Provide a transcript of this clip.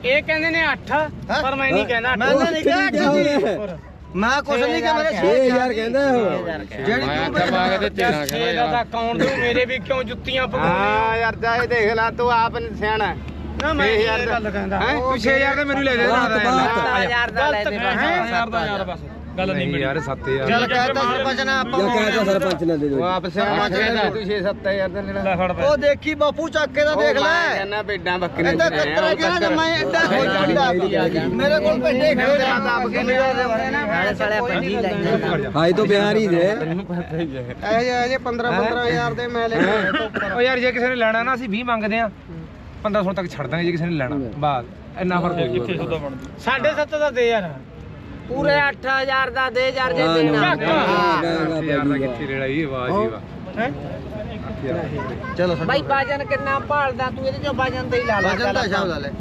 ਇਹ ਕਹਿੰਦੇ ਨੇ 8 ਪਰ ਮੈਂ ਨਹੀਂ ਕਹਿੰਦਾ ਮੈਂ ਨਹੀਂ ਕਿਹਾ ਮੈਂ ਕੁਛ ਨਹੀਂ ਕਿਹਾ ਮੇਰੇ 6000 ਕਹਿੰਦਾ ਉਹ ਜਿਹੜੀ ਤੂੰ ਪਾ ਕੇ ਤੇ ਤੇਰਾ ਇਹਦਾ ਤਾਂ ਕੌਣ ਦੂ ਮੇਰੇ ਵੀ ਕਿਉਂ ਜੁੱਤੀਆਂ ਪਕਾਉਣੀਆਂ ਹਾਂ ਯਾਰ ਜਾ ਇਹ ਦੇਖ ਲੈ ਤੂੰ ਆਪ ਸਿਆਣਾ ਨਾ ਮੈਂ ਇਹ ਗੱਲ ਕਹਿੰਦਾ ਤੂੰ 6000 ਤੇ ਮੈਨੂੰ ਲੈ ਦੇ 7000 ਦਾ ਲੈ ਦੇ ਬਸ ਗੱਲ ਨਹੀਂ ਯਾਰ 7000 ਚੱਲ ਕਹਿਤਾ ਸਰਪੰਚ ਨੇ ਆਪਾਂ ਜਾਂ ਕਹਿਤਾ ਸਰਪੰਚ ਨੇ ਦੇ ਉਹ ਦੋ ਆਪ ਸਿਆਣਾ ਕਹਿੰਦਾ ਤੂੰ 6-7000 ਦਾ ਲੈ ਫੜ ਉਹ ਦੇਖੀ ਬਾਪੂ ਚੱਕ ਕੇ ਤਾਂ ਦੇਖ ਲੈ ਕਹਿੰਦਾ ਭੇਡਾਂ ਬੱਕਰੀਆਂ ਇੱਦਾਂ ਕੱਤਰਾ ਗਿਆ ਨਾ ਮੈਂ ਐਡਾ ਹੋ ਜਾਂਦਾ ਮੇਰੇ ਕੋਲ ਭੇਡੇ ਖੜੇ ਆਪ ਕਿੰਨੇ ਨਾਲੇ ਸਾਲੇ ਪੰਜੀ ਲੈ ਹਾਈ ਤੋਂ ਬਿਹਾਰ ਹੀ ਦੇ ਇਹ 15-15000 ਦੇ ਮੈਂ ਲੈ ਕੇ ਉਹ ਯਾਰ ਜੇ ਕਿਸੇ ਨੇ ਲੈਣਾ ਨਾ ਅਸੀਂ 20 ਮੰਗਦੇ ਆ 1500 ਤੱਕ ਛੱਡ ਦਾਂਗੇ ਜੇ ਕਿਸੇ ਨੇ ਲੈਣਾ ਬਾਅਦ ਇੰਨਾ ਫਰਕ ਹੋ ਕਿੱਥੇ ਸੌਦਾ ਬਣਦੀ 7.5 ਦਾ ਦੇ ਯਾਰ ਪੂਰੇ 8000 ਦਾ ਦੇ ਯਾਰ ਜੇ ਦੇਣਾ ਯਾਰ ਦਾ ਕਿੱਥੇ ਰੇੜਾ ਇਹ ਆਵਾਜ਼ ਹੀ ਵਾ ਚਲੋ ਬਾਈ ਬਾਜਨ ਕਿੰਨਾ ਭਾਲਦਾ ਤੂੰ ਇਹਦੇ ਚੋਂ ਬਾਜਨ ਤੇ ਹੀ ਲਾ ਲਾ ਵਜਨ ਦਾ ਹਿਸਾਬ ਲਾ ਲੈ